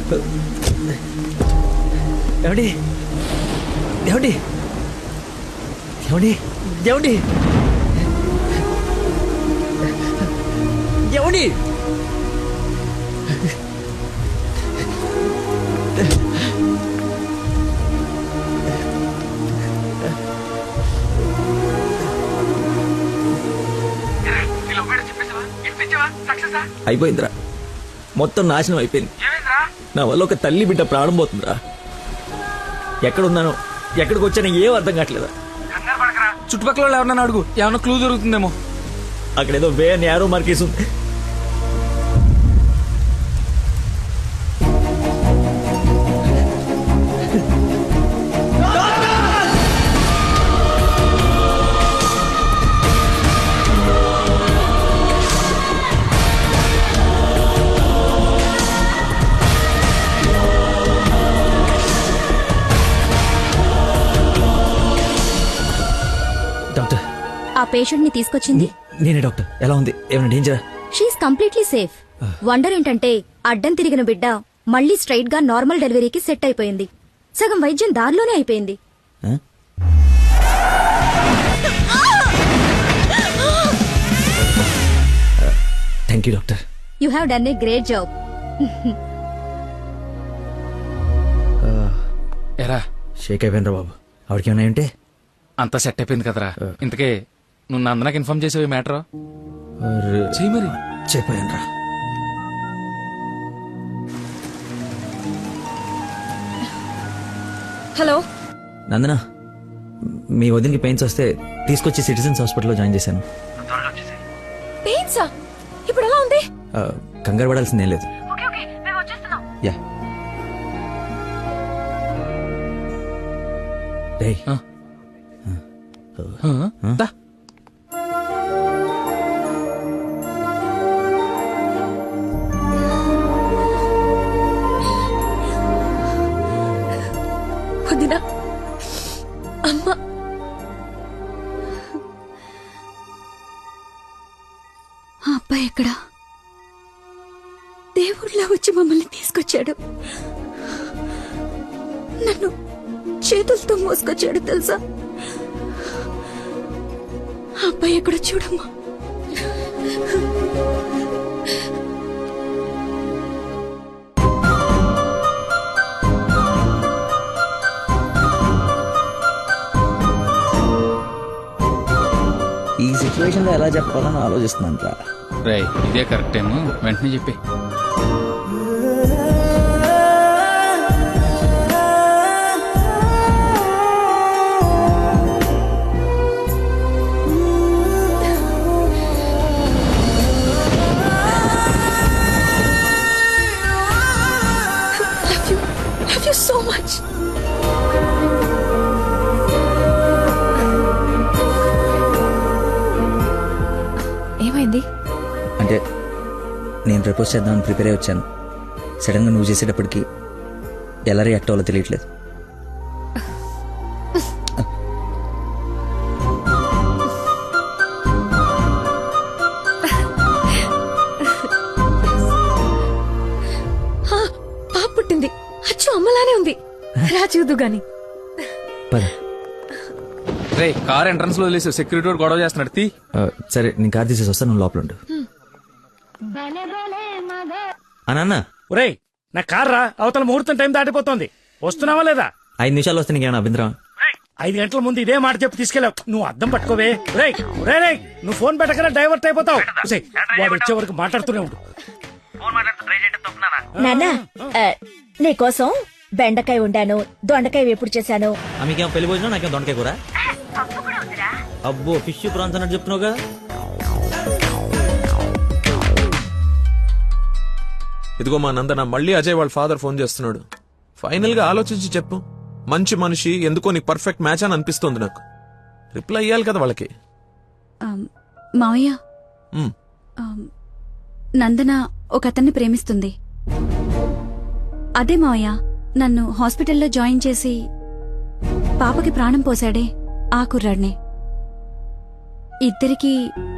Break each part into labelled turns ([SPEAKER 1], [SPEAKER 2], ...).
[SPEAKER 1] ఏమండి ఏమండి ఏమండి ఏమండి ఏమండి అయిపోయిందిరా, మొత్తం నాశనం అయిపోయింది. నా వల్ల ఒక తల్లి బిడ్డ ప్రాణం పోతుందిరా. ఎక్కడున్నాను, ఎక్కడికి వచ్చానో ఏం అర్థం కావట్లేదా.
[SPEAKER 2] చుట్టుపక్కల ఎవరన్నా అడుగు, ఏమన్నా క్లూ దొరుకుతుందేమో.
[SPEAKER 1] అక్కడేదో వే నేరో మార్కేసి ఉంది. డాక్టర్,
[SPEAKER 3] ఆ పేషెంట్ ని తీసుకొచ్చింది
[SPEAKER 1] నేనే డాక్టర్. ఎలా ఉంది, ఏమైనా డేంజరా?
[SPEAKER 3] She is completely safe. వండర్ ఏంటంటే అడ్డం తిరిగిన బిడ్డ మళ్ళీ స్ట్రైట్ గా నార్మల్ డెలివరీకి సెట్ అయిపోయింది. సగం వైద్యం దారిలోనే అయిపోయింది.
[SPEAKER 1] Thank you doctor.
[SPEAKER 3] You have done a great job.
[SPEAKER 2] ఎరా
[SPEAKER 1] షేక్ అయిపోయినరా బాబు. ఆవిడకి ఏమైనా ఉంటే
[SPEAKER 2] అంతా సెట్ అయిపోయింది కదరా. ఇంతకే నువ్వు నందనకి ఇన్ఫార్మ్ చేసావు మ్యాటర్? చెయ్యి మరి.
[SPEAKER 1] చెప్పాను.
[SPEAKER 3] హలో
[SPEAKER 1] నందన, మీ వదినకి పెయిన్స్ వస్తే తీసుకొచ్చి సిటిజన్స్ హాస్పిటల్లో జాయిన్ చేశాను.
[SPEAKER 3] పెయిన్సా? ఇప్పుడు ఎలా ఉంది?
[SPEAKER 1] కంగారు పడాల్సిందేం లేదు. యా రేయ్,
[SPEAKER 2] దా.
[SPEAKER 3] వదినా, అమ్మ, ఆ అబ్బాయి ఎక్కడా? దేవుళ్ళ వచ్చి మమ్మల్ని తీసుకొచ్చాడు. నన్ను చేతులతో మోసుకొచ్చాడు తెలుసా? ఆ అబ్బాయి ఎక్కడ చూడమ్మా.
[SPEAKER 1] ఈ సిచ్యువేషన్ లో ఎలా చెప్పాలని ఆలోచిస్తున్నాను రా.
[SPEAKER 2] రేయ్, ఇదే కరెక్ట్ టైం, వెంటనే చెప్పి.
[SPEAKER 3] Love you so much. ఏమైంది?
[SPEAKER 1] అంటే నేను ప్రపోజ్ చేద్దామని ప్రిపేర్ అయి వచ్చాను. సడన్ గా నువ్వు చేసేటప్పటికి ఎలా రియాక్ట్ అవ్వాలో తెలియట్లేదు.
[SPEAKER 3] పాప పుట్టింది. అచ్చు అమ్మలానే ఉంది. రా చూదు గాని.
[SPEAKER 2] రే, కార్ ఎంట్రన్స్ లో వదిలేసి సెక్యూరిటీ వాడు గొడవ చేస్తున్నాడు. తీ.
[SPEAKER 1] సరే, నేను కార్ తీసేసి వస్తాను, నువ్వు లోపల ఉండు. అన్న,
[SPEAKER 4] ఒరేయ్, నా కార్ రా, అవతల ముహూర్తం టైం దాటిపోతుంది. వస్తున్నావా లేదా?
[SPEAKER 1] 5 నిమిషాలు వస్తే నీకేమైనా అభ్యంతరం?
[SPEAKER 4] 5 గంటల ముందు ఇదే మాట చెప్పి తీసుకెళ్ళావు. నువ్వు అద్దం పట్టుకోవే. రేయ్ రేయ్, నువ్వు ఫోన్ పెట్టకరా డైవర్ట్ అయిపోతావు. వాడు వచ్చే వరకు మాట్లాడుతూనే ఉండు.
[SPEAKER 5] నాన్నా, నీకోసం బెండకాయ ఉండాను, దొండకాయ వేపుడు చేశాను.
[SPEAKER 1] మీకేమో పెళ్లి భోజనం, నాకేం దొండకాయ కూర. అబ్బో, ఫిష్ ప్రాన్స్ అన్నట్టు చెప్తున్నావు కదా.
[SPEAKER 6] ఇదిగో మా నందన, మళ్ళీ అజయ్ వాళ్ళ ఫాదర్ ఫోన్ చేస్తున్నాడు. ఫైనల్ గా ఆలోచించి చెప్పు. మంచి మనిషి, ఎందుకో నీకు పర్ఫెక్ట్ మ్యాచ్ అని అనిపిస్తుంది నాకు. రిప్లై ఇయ్యాలి కదా వాళ్ళకి.
[SPEAKER 3] మావయ్య, నందన ఒక అతన్ని ప్రేమిస్తుంది. అదే మావయ్య, నన్ను హాస్పిటల్లో జాయిన్ చేసి పాపకి ప్రాణం పోశాడే ఆ కుర్రాడినే. ఇద్దరికి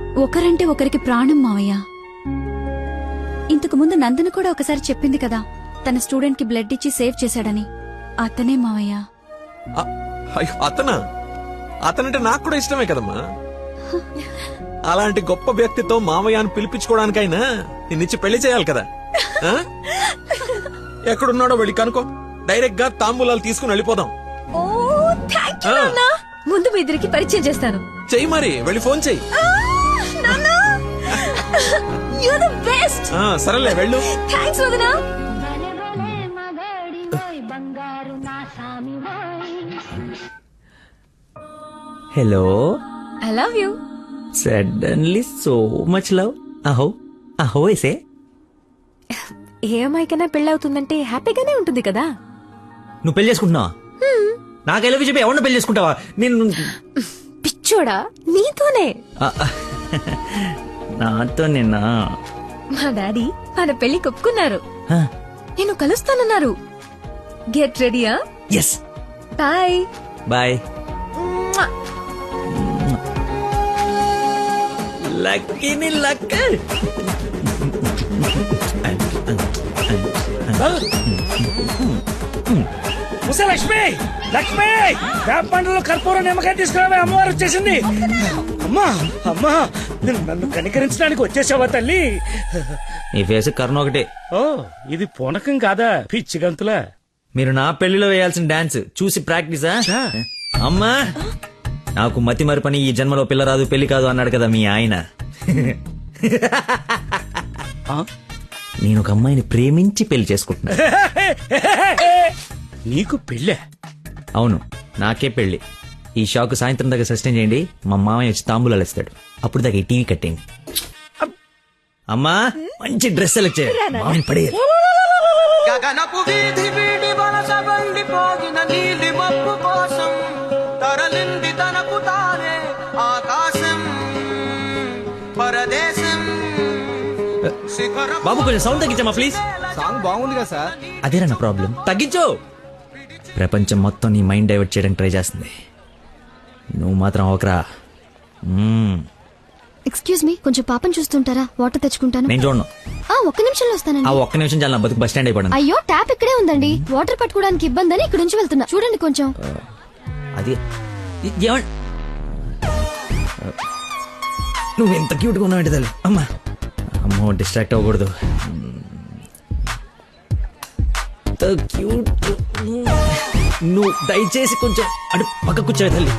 [SPEAKER 3] ఒకరంటే ఒకరికి ప్రాణం మావయ్య. ఇంతకు ముందు నందన కూడా ఒకసారి చెప్పింది కదా, తన స్టూడెంట్ కి బ్లడ్ ఇచ్చి సేవ్ చేశాడని. అతనే మావయ్య.
[SPEAKER 6] అయ్యో, అతనంటే నాకు కూడా ఇష్టమే కదమ్మా. అలాంటి గొప్ప వ్యక్తితో మామయ్య అని పిలిపించుకోవడానికైనా నిన్నిచ్చి పెళ్లి చేయాలి కదా. ఆ? ఎక్కడున్నాడో వెళ్ళి కనుకో, డైరెక్ట్ గా తాంబూలాలు తీసుకుని వెళ్ళిపోదాం.
[SPEAKER 5] ఓ థ్యాంక్ యూ నాన్న. ముందు మీ ఇద్దరికి పరిచయం చేస్తాను.
[SPEAKER 6] చెయ్యి మరి, వెళ్ళి ఫోన్ చెయ్యి.
[SPEAKER 5] You the best.
[SPEAKER 6] సరేలే వెళ్ళు.
[SPEAKER 5] థాంక్స్ వదనా.
[SPEAKER 1] Hello.
[SPEAKER 5] I love you.
[SPEAKER 1] Suddenly so much love. అహో అహో ఎసే.
[SPEAKER 5] ఏ అమ్మాయికైనా పెళ్ళవుతుందంటే హ్యాపీగానే ఉంటుంది కదా.
[SPEAKER 1] నువ్వు పెళ్లి చేసుకుంటున్నావా? నాకు ఎలా చెప్పి ఎవరిని పెళ్లి చేసుకుంటావా? నేను
[SPEAKER 5] పిచ్చోడా, నీతోనే.
[SPEAKER 1] నాతో నిన్నా
[SPEAKER 5] మా డాడీ మన పెళ్లి ఒప్పుకున్నారు. నేను కలుస్తానన్నారు. గెట్ రెడీయా?
[SPEAKER 1] ఎస్.
[SPEAKER 5] Bye
[SPEAKER 1] bye. లక్కీని లక్క.
[SPEAKER 4] ఉసే లక్ష్మి, లక్ష్మి, వేప పండ్లలో కర్పూరం నిమ్మకాయ తీసుకురావే, అమ్మవారు వచ్చేసింది. అమ్మా అమ్మా, నన్ను కనికరించడానికి వచ్చేసావా తల్లి?
[SPEAKER 1] నీ ఫేస్ కర్ణ ఒకటే.
[SPEAKER 4] ఓ, ఇది పూనకం కాదా పిచ్చి గంతులా?
[SPEAKER 1] మీరు నా పెళ్లిలో వేయాల్సిన డాన్స్ చూసి ప్రాక్టీసా? అమ్మా, నాకు మతి మరిపని ఈ జన్మలో పిల్ల రాదు పెళ్లి కాదు అన్నాడు కదా మీ ఆయన. నేను ఒక అమ్మాయిని ప్రేమించి పెళ్లి చేసుకుంటున్నా.
[SPEAKER 4] నీకు పెళ్ళే?
[SPEAKER 1] అవును, నాకే పెళ్లి. ఈ షాక్ సాయంత్రం దాకా సస్టైన్ చేయండి. మా మామయ్య వచ్చి తాంబూలాలు ఇస్తాడు. అప్పుడు దాకా ఈ టీవీ కట్టేయండి. అమ్మా, మంచి డ్రెస్ సెలెక్ట్ చేయాలి. మామయ్యని పడేయాలి.
[SPEAKER 7] గగనపు వీధి వీడి వలస వండిపోగిన నీలి మబ్బు కోసం తరలింది తనకు తానే ఆకాశం పరదేశం శిఖరం.
[SPEAKER 1] బాబు కొంచెం సౌండ్ తగ్గించమ్మా ప్లీజ్.
[SPEAKER 7] సాంగ్ బాగుంది కదా సార్.
[SPEAKER 1] అదేనా నా ప్రాబ్లం? తగ్గించు. ప్రపంచం మొత్తం నీ మైండ్ డైవర్ట్ చేయడానికి ట్రై చేస్తుంది. నువ్వు మాత్రం ఒకరా.
[SPEAKER 8] ఎక్స్క్యూజ్ మీ, కొంచెం పాపం చూస్తుంటారా? వాటర్ తెచ్చుకుంటాను.
[SPEAKER 1] నేను చూడను.
[SPEAKER 8] ఒక్క నిమిషంలో వస్తానండి.
[SPEAKER 1] ఆ ఒక్క నిమిషం చాలా నా బతుకు బస్ స్టాండ్ అయిపోయింది.
[SPEAKER 8] అయ్యో, ట్యాప్ ఇక్కడే ఉందండి. వాటర్ పట్టుకోవడానికి ఇబ్బంది అని ఇక్కడ నుంచి వెళ్తున్నా. చూడండి కొంచెం.
[SPEAKER 1] అది నువ్వు ఎంత క్యూట్గా ఉన్నావు తల్లి. అమ్మా అమ్మో, డిస్ట్రాక్ట్ అవ్వకూడదు. క్యూట్. నువ్వు దయచేసి కొంచెం అటు పక్క కూర్చోవే తల్లి.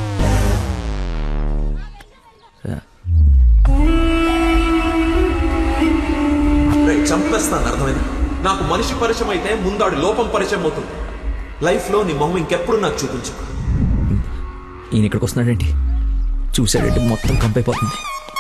[SPEAKER 6] చంపేస్తాను, అర్థమైంది? నాకు మనిషి పరిచయం అయితే ముందాడు లోపం పరిచయం అవుతుంది. లైఫ్ లో నీ మొహం ఇంకెప్పుడు నాకు చూపించు.
[SPEAKER 1] ఈయన ఇక్కడికి వస్తున్నాడేంటి? చూసాడంటే మొత్తం కంపైపోతుంది.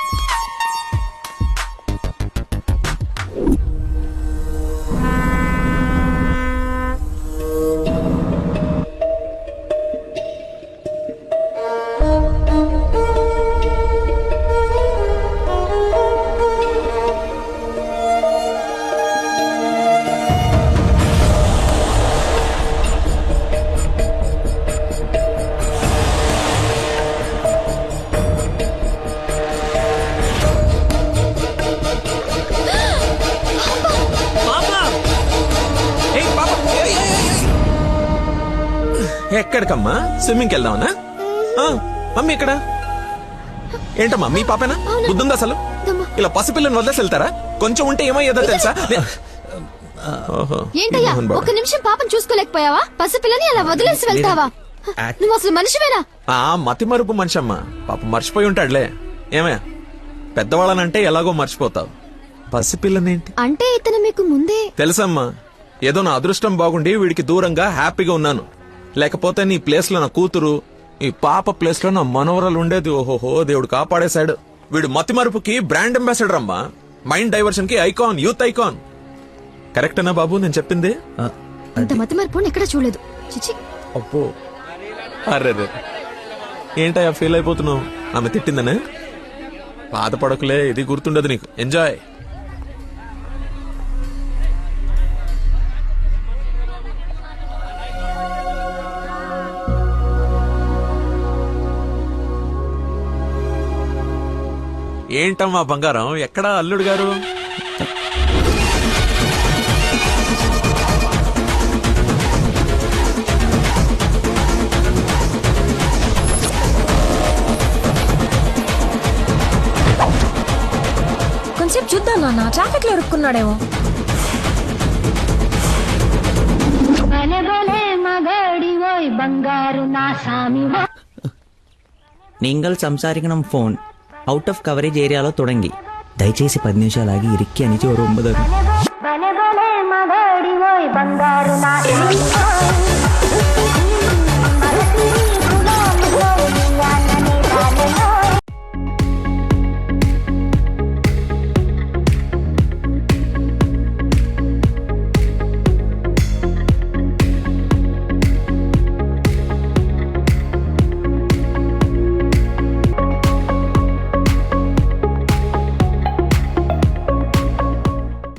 [SPEAKER 6] ఎక్కడికమ్మా? స్విమ్మింగ్కి వెళ్దామనా? మమ్మీ ఇక్కడ ఏంటమ్మా? మీ పాపేనా? బుద్ధుందా అసలు? ఇలా పసిపిల్లని వదిలేసి వెళ్తారా? కొంచెం ఉంటే ఏమయ్యేదో తెలుసా?
[SPEAKER 8] ఏంటయ్యా, ఒక్క నిమిషం పాపం చూసుకోలేకపోయావా? పసిపిల్లని అలా వదిలేసి వెళ్తావా? నువ్వు అసలు మనిషివేనా?
[SPEAKER 6] మతి మరుపు మనిషి అమ్మా. పాప మర్చిపోయి ఉంటాడులే. ఏమే, పెద్దవాళ్ళనంటే ఎలాగో మర్చిపోతావు. పసిపిల్లనేంటి
[SPEAKER 8] అంటే ఇతను మీకు ముందే
[SPEAKER 6] తెలుసమ్మా. ఏదో నా అదృష్టం బాగుండి వీడికి దూరంగా హ్యాపీగా ఉన్నాను. లేకపోతే నీ ప్లేస్ లో నా కూతురు, ఈ పాప ప్లేస్ లో నా మనవరాలు ఉండేది. ఓహోహో, దేవుడు కాపాడేశాడు. వీడు మతి మరుపుకి బ్రాండ్ అంబాసిడర్ అమ్మా. మైండ్ డైవర్షన్ కి ఐకాన్, యూత్ ఐకాన్. కరెక్టేనా బాబు నేను చెప్పింది?
[SPEAKER 8] ఇంత మతి మార్పు ఎక్కడ చూడలేదు. చిచి.
[SPEAKER 6] అబ్బో, అర్రే, ఏంటయ్యా ఫీల్ అయిపోతున్నావు? ఆమె తిట్టిందనే? బాధపడకులే, ఇది గుర్తుండదు నీకు. ఎంజాయ్. ఏంటమ్మా బంగారం, ఎక్కడా అల్లుడు గారు?
[SPEAKER 5] నాన్న ట్రాఫిక్ లో ఇరుక్కున్నాడేమో.
[SPEAKER 1] നിങ്ങൾ സംസാരിക്കണം ഫോൺ ഔട്ട് ഓഫ് കവറേജ് ഏരിయాలో തുടങ്ങി దయచేసి 10 నిమిషాలు ఆగి ఇరిక్కి అని 9